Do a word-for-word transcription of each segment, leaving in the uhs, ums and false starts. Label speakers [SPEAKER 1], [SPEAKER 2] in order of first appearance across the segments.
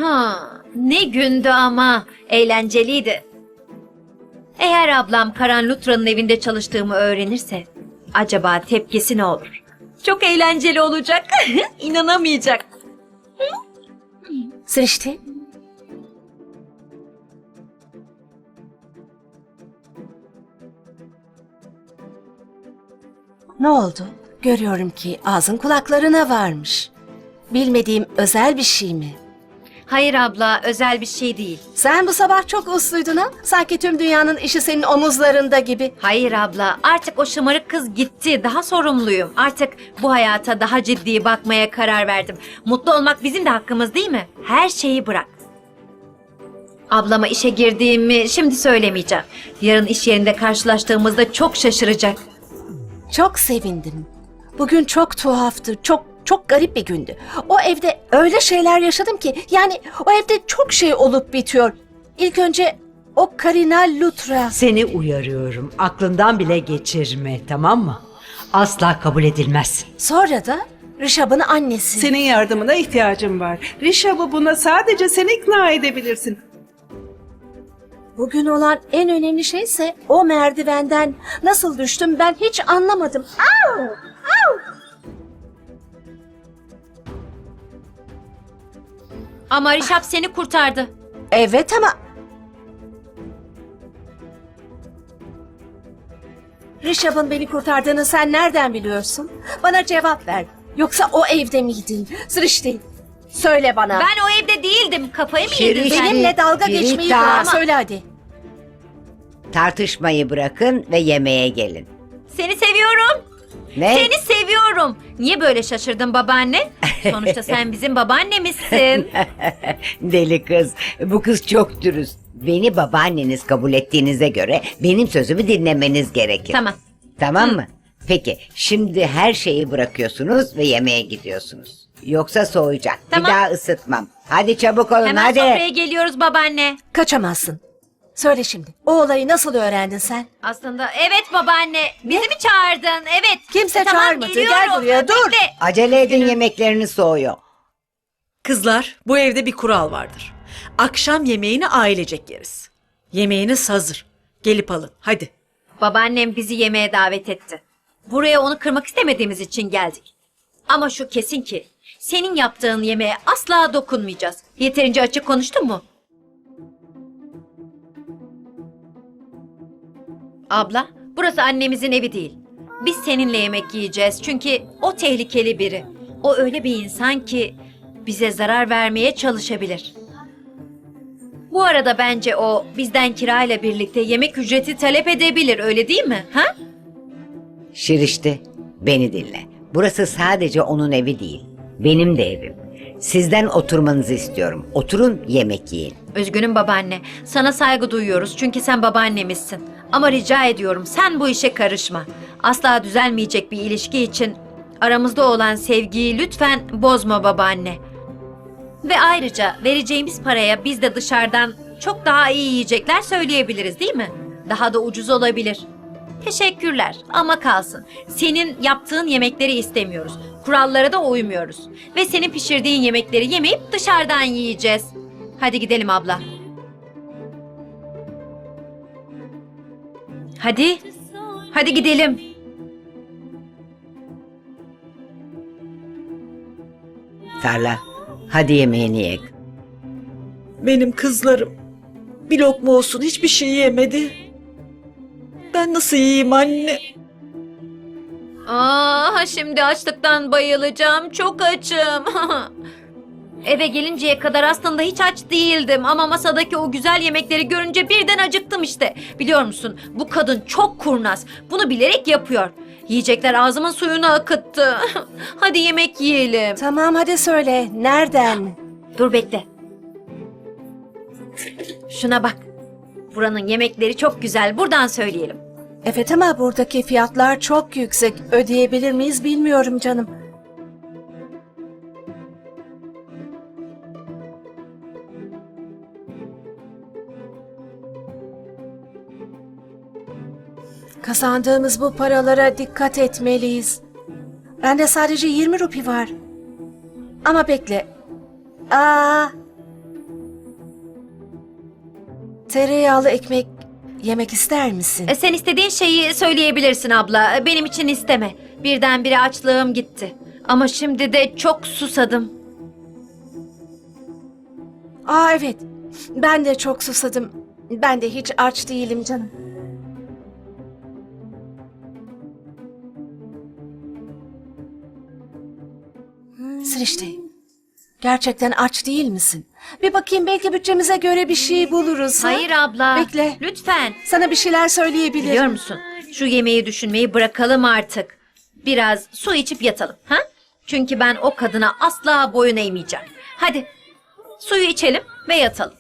[SPEAKER 1] Ha, ne gündü ama eğlenceliydi. Eğer ablam Karan Lutra'nın evinde çalıştığımı öğrenirse acaba tepkisi ne olur? Çok eğlenceli olacak. İnanamayacak.
[SPEAKER 2] Srişti. Ne oldu? Görüyorum ki ağzın kulaklarına varmış. Bilmediğim özel bir şey mi?
[SPEAKER 1] Hayır abla, özel bir şey değil.
[SPEAKER 2] Sen bu sabah çok usluydun ha? Sanki tüm dünyanın işi senin omuzlarında gibi.
[SPEAKER 1] Hayır abla, artık o şımarık kız gitti. Daha sorumluyum. Artık bu hayata daha ciddi bakmaya karar verdim. Mutlu olmak bizim de hakkımız değil mi? Her şeyi bırak. Ablama işe girdiğimi şimdi söylemeyeceğim. Yarın iş yerinde karşılaştığımızda çok şaşıracak.
[SPEAKER 2] Çok sevindim. Bugün çok tuhaftı, çok çok garip bir gündü. O evde öyle şeyler yaşadım ki, yani o evde çok şey olup bitiyor. İlk önce o Karina Lutra.
[SPEAKER 3] Seni uyarıyorum. Aklından bile geçirme, tamam mı? Asla kabul edilmez.
[SPEAKER 2] Sonra da Rishabh'ın annesi.
[SPEAKER 4] Senin yardımına ihtiyacım var. Rishabh'ı buna sadece sen ikna edebilirsin.
[SPEAKER 2] Bugün olan en önemli şeyse o merdivenden nasıl düştüm ben hiç anlamadım. Au! Au!
[SPEAKER 1] Ama Rişap seni kurtardı.
[SPEAKER 2] Evet ama... Rishabh'ın beni kurtardığını sen nereden biliyorsun? Bana cevap ver. Yoksa o evde miydin? Srişti, söyle bana.
[SPEAKER 1] Ben o evde değildim. Kafayı mı yedin
[SPEAKER 5] Şerif,
[SPEAKER 1] sen?
[SPEAKER 2] Benimle dalga
[SPEAKER 5] Birita.
[SPEAKER 2] geçmeyi bırak. Söyle hadi.
[SPEAKER 5] Tartışmayı bırakın ve yemeğe gelin.
[SPEAKER 1] Seni seviyorum.
[SPEAKER 5] Ne?
[SPEAKER 1] Seni seviyorum. Niye böyle şaşırdın babaanne? Sonuçta sen bizim babaannemizsin.
[SPEAKER 5] Deli kız. Bu kız çok dürüst. Beni babaanneniz kabul ettiğinize göre benim sözümü dinlemeniz gerekir.
[SPEAKER 1] Tamam.
[SPEAKER 5] Tamam mı? Peki şimdi her şeyi bırakıyorsunuz ve yemeğe gidiyorsunuz. Yoksa soğuyacak.
[SPEAKER 1] Tamam.
[SPEAKER 5] Bir daha ısıtmam. Hadi çabuk olun
[SPEAKER 1] Hemen
[SPEAKER 5] hadi.
[SPEAKER 1] sofraya geliyoruz babaanne.
[SPEAKER 2] Kaçamazsın. Söyle şimdi. O olayı nasıl öğrendin sen?
[SPEAKER 1] Aslında evet babaanne. Bizi mi çağırdın? Evet.
[SPEAKER 2] Kimse
[SPEAKER 1] Tamam,
[SPEAKER 2] çağırmadı. Gel
[SPEAKER 1] geliyorum.
[SPEAKER 2] buraya, dur.
[SPEAKER 1] Bekle.
[SPEAKER 5] Acele edin, yemekleriniz soğuyor.
[SPEAKER 6] Kızlar, bu evde bir kural vardır. Akşam yemeğini ailecek yeriz. Yemeğiniz hazır. Gelip alın, hadi.
[SPEAKER 1] Babaannem bizi yemeğe davet etti. Buraya onu kırmak istemediğimiz için geldik. Ama şu kesin ki senin yaptığın yemeğe asla dokunmayacağız. Yeterince açık konuştun mu? Abla, burası annemizin evi değil. Biz seninle yemek yiyeceğiz çünkü o tehlikeli biri. O öyle bir insan ki bize zarar vermeye çalışabilir. Bu arada bence o bizden kirayla birlikte yemek ücreti talep edebilir, öyle değil mi? Ha?
[SPEAKER 5] Şirişti, beni dinle. Burası sadece onun evi değil. Benim de evim. Sizden oturmanızı istiyorum. Oturun, yemek yiyin.
[SPEAKER 1] Üzgünüm babaanne. Sana saygı duyuyoruz çünkü sen babaannemizsin. Ama rica ediyorum sen bu işe karışma. Asla düzelmeyecek bir ilişki için aramızda olan sevgiyi lütfen bozma babaanne. Ve ayrıca vereceğimiz paraya biz de dışarıdan çok daha iyi yiyecekler söyleyebiliriz değil mi? Daha da ucuz olabilir. Teşekkürler ama kalsın. Senin yaptığın yemekleri istemiyoruz. Kurallara da uymuyoruz. Ve senin pişirdiğin yemekleri yemeyip dışarıdan yiyeceğiz. Hadi gidelim abla. Hadi. Hadi gidelim.
[SPEAKER 5] Tarla, hadi yemeğini ye.
[SPEAKER 6] Benim kızlarım. Bir lokma olsun hiçbir şey yemedi. Ben nasıl yiyeyim anne?
[SPEAKER 1] Aa, şimdi açlıktan bayılacağım. Çok açım. Eve gelinceye kadar aslında hiç aç değildim ama masadaki o güzel yemekleri görünce birden acıktım işte. Biliyor musun? Bu kadın çok kurnaz. Bunu bilerek yapıyor. Yiyecekler ağzımın suyunu akıttı. Hadi yemek yiyelim.
[SPEAKER 2] Tamam hadi söyle. Nereden?
[SPEAKER 1] Dur bekle. Şuna bak. Buranın yemekleri çok güzel. Buradan söyleyelim.
[SPEAKER 2] Evet ama buradaki fiyatlar çok yüksek. Ödeyebilir miyiz bilmiyorum canım. Kazandığımız bu paralara dikkat etmeliyiz. Bende sadece yirmi rupi var. Ama bekle. Aa, tereyağlı ekmek yemek ister misin?
[SPEAKER 1] E, sen istediğin şeyi söyleyebilirsin abla. E, Benim için isteme. Birdenbire açlığım gitti. Ama şimdi de çok susadım.
[SPEAKER 2] Aa evet. Ben de çok susadım. Ben de hiç aç değilim canım. Srişti, gerçekten aç değil misin? Bir bakayım, belki bütçemize göre bir şey buluruz. ha?
[SPEAKER 1] Hayır abla.
[SPEAKER 2] Bekle.
[SPEAKER 1] Lütfen.
[SPEAKER 2] Sana bir şeyler söyleyebilirim.
[SPEAKER 1] Biliyor musun? Şu yemeği düşünmeyi bırakalım artık. Biraz su içip yatalım. Ha? Çünkü ben o kadına asla boyun eğmeyeceğim. Hadi suyu içelim ve yatalım.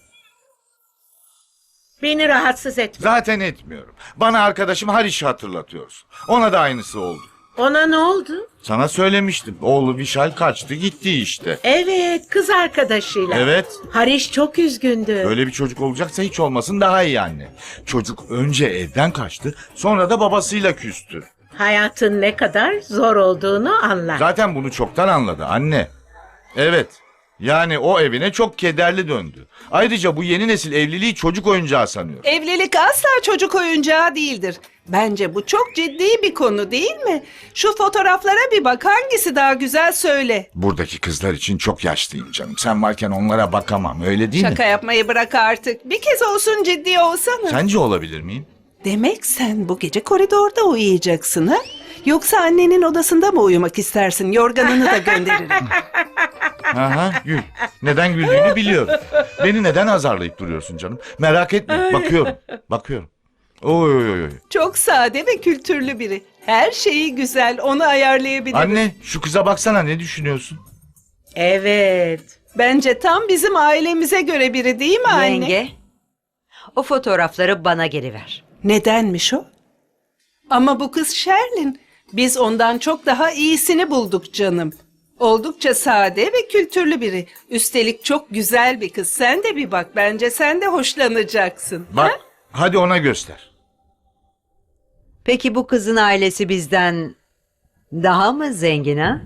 [SPEAKER 7] Beni rahatsız etme.
[SPEAKER 8] Zaten etmiyorum. Bana arkadaşım Harish'i hatırlatıyorsun. Ona da aynısı oldu.
[SPEAKER 7] Ona ne oldu?
[SPEAKER 8] Sana söylemiştim. Oğlu Vişal kaçtı gitti işte.
[SPEAKER 7] Evet, kız arkadaşıyla.
[SPEAKER 8] Evet.
[SPEAKER 7] Hariş çok üzgündü.
[SPEAKER 8] Öyle bir çocuk olacaksa hiç olmasın daha iyi anne. Çocuk önce evden kaçtı, sonra da babasıyla küstü.
[SPEAKER 7] Hayatın ne kadar zor olduğunu anlar.
[SPEAKER 8] Zaten bunu çoktan anladı anne. Evet. Yani o evine çok kederli döndü. Ayrıca bu yeni nesil evliliği çocuk oyuncağı sanıyor.
[SPEAKER 4] Evlilik asla çocuk oyuncağı değildir. Bence bu çok ciddi bir konu değil mi? Şu fotoğraflara bir bak, hangisi daha güzel söyle.
[SPEAKER 8] Buradaki kızlar için çok yaşlıyım canım. Sen varken onlara bakamam, öyle değil
[SPEAKER 4] Şaka
[SPEAKER 8] mi?
[SPEAKER 4] yapmayı bırak artık. Bir kez olsun ciddi olsana.
[SPEAKER 8] Sence olabilir miyim?
[SPEAKER 4] Demek sen bu gece koridorda uyuyacaksın ha? Yoksa annenin odasında mı uyumak istersin? Yorganını da gönderirim.
[SPEAKER 8] Aha, gül. Neden güldüğünü biliyorum. Beni neden azarlayıp duruyorsun canım? Merak etme. Bakıyorum. Bakıyorum. Oy oy oy. oy.
[SPEAKER 4] Çok sade ve kültürlü biri. Her şeyi güzel, onu ayarlayabilirim.
[SPEAKER 8] Anne, şu kıza baksana, ne düşünüyorsun?
[SPEAKER 7] Evet.
[SPEAKER 4] Bence tam bizim ailemize göre biri değil mi anne?
[SPEAKER 3] Yenge, o fotoğrafları bana geri ver.
[SPEAKER 4] Nedenmiş o? Ama bu kız Sherlin. Biz ondan çok daha iyisini bulduk canım. Oldukça sade ve kültürlü biri. Üstelik çok güzel bir kız. Sen de bir bak. Bence sen de hoşlanacaksın.
[SPEAKER 8] Bak,
[SPEAKER 4] ha?
[SPEAKER 8] hadi ona göster.
[SPEAKER 3] Peki bu kızın ailesi bizden daha mı zengin ha?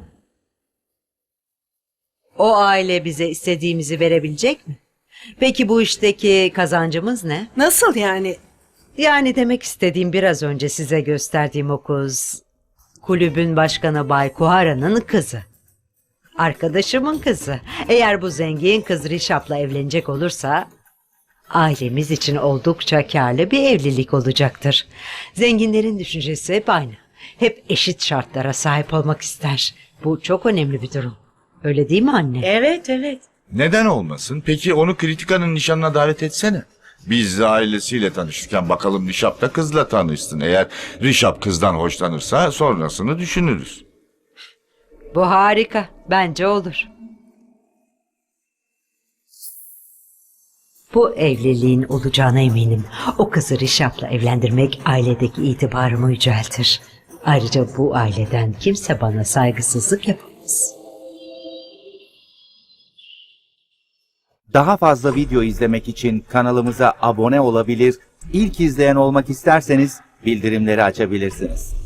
[SPEAKER 3] O aile bize istediğimizi verebilecek mi? Peki bu işteki kazancımız ne?
[SPEAKER 4] Nasıl yani?
[SPEAKER 3] Yani demek istediğim, biraz önce size gösterdiğim o kız, kulübün başkanı Bay Kuhara'nın kızı. Arkadaşımın kızı. Eğer bu zengin kız Rişap'la evlenecek olursa ailemiz için oldukça karlı bir evlilik olacaktır. Zenginlerin düşüncesi hep aynı. Hep eşit şartlara sahip olmak ister. Bu çok önemli bir durum. Öyle değil mi anne?
[SPEAKER 7] Evet, evet.
[SPEAKER 8] Neden olmasın? Peki onu Kritika'nın nişanına davet etsene. Biz de ailesiyle tanışırken bakalım Rişap da kızla tanışsın. Eğer Rişap kızdan hoşlanırsa sonrasını düşünürüz.
[SPEAKER 3] Bu harika. Bence olur. Bu evliliğin olacağına eminim. O kızı Rişap'la evlendirmek ailedeki itibarımı yüceltir. Ayrıca bu aileden kimse bana saygısızlık yapamaz.
[SPEAKER 9] Daha fazla video izlemek için kanalımıza abone olabilir, ilk izleyen olmak isterseniz bildirimleri açabilirsiniz.